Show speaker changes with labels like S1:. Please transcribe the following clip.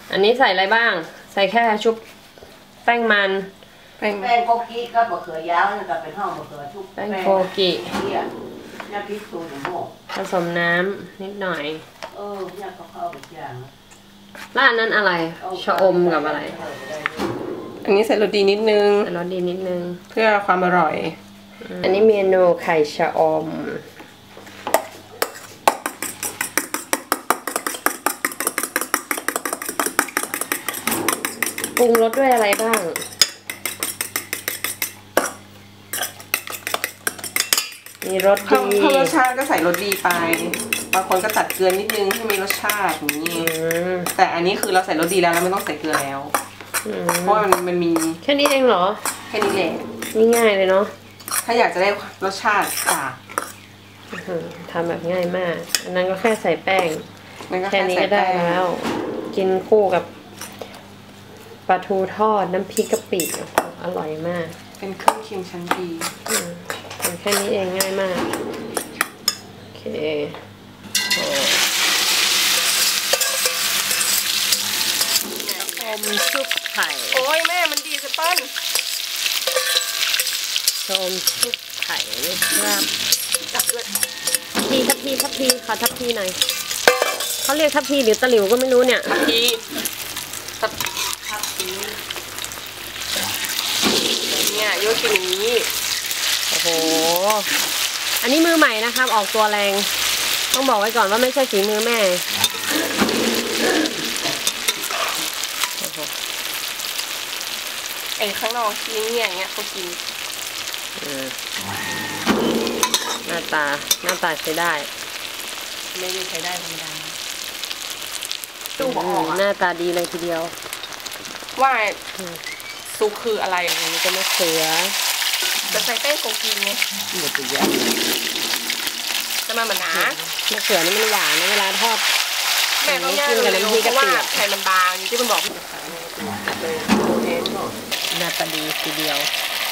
S1: อันนี้ใส่อะไรบ้างใส่แค่ชุบแป้งมัน
S2: แป้งโกกิก็บะเขือยาวนี่ก็เป็นห้องบะเขือชุบ
S1: แป้งโกกิ
S2: ยาพิษสูงหม้อ
S1: ผสมน้ำนิดหน่อย
S2: ยาเข้าไปอย่าง
S1: ร้านนั้นอะไรชะอมกับอะไร
S3: อันนี้ใส่รสดีนิดนึง
S1: ใส่รสดีนิดนึง
S3: เพื่อความอร่อย
S1: อันนี้เมนูไข่ชะอมปรุงรสด้วยอะไรบ้างมีรสดี
S3: เพิ่มรสชาติก็ใส่รสดีไปบางคนก็ตัดเกลือนิดนึงให้มีรสชาติอย่างนี้แต่อันนี้คือเราใส่รสดีแล้วไม่ต้องใส่เกลือแล้วเพราะว่ามันมี
S1: แค่นี้เองเหรอ
S3: แค่นี้แหละ
S1: ง่ายเลยเนาะ
S3: ถ้าอยากจะได้รสชาติ
S1: ทำแบบง่ายมากอันนั้นก็แค่ใส่แป้งแค่นี้ก็ได้แล้วกินคู่กับปลาทูทอดน้ำพริกกะปิอร่อยมาก
S3: เป็นเครื่องเคียงชั้นดี
S1: แค่นี้เองง่ายมากโอเคอมชุบไข่
S3: โอ้ยแม่มันดีสเปิ้ล
S1: อมชุบไข่นะครับ
S3: จับด้วย
S1: ทัพพีขอทัพพีหน่อยเขาเรียกทัพพีหรือตะหลิวก็ไม่รู้เนี่ย
S3: ทัพพีเนี่ยโยกินี้
S1: โอ้โหอันนี้มือใหม่นะครับออกตัวแรงต้องบอกไว้ก่อนว่าไม่ใช่ฝีมือแม่
S3: ไอ้ข้างนอกชิ้นเนี่ยอย่างเงี้ยเขากิน
S1: หน้าตาใช้ได้
S3: ไม่ได้ใช้ได้ธรรมดา
S1: ดูออกหน้าตาดีเลยทีเดียว
S3: ว่าซุปคืออะไร
S1: อันนี้ก็มะเขือ
S3: จะใส่แป้งโกกิไง
S1: หมดตัวเยอะ
S3: จะมาเหมือนหนาม
S1: ะเขือนี่มันหวานนะเวลาทอด
S3: แม่ต้องย่างเลยเพราะว่าไข่มันบางที่มันบอกห
S1: น้าตาดีทีเดียว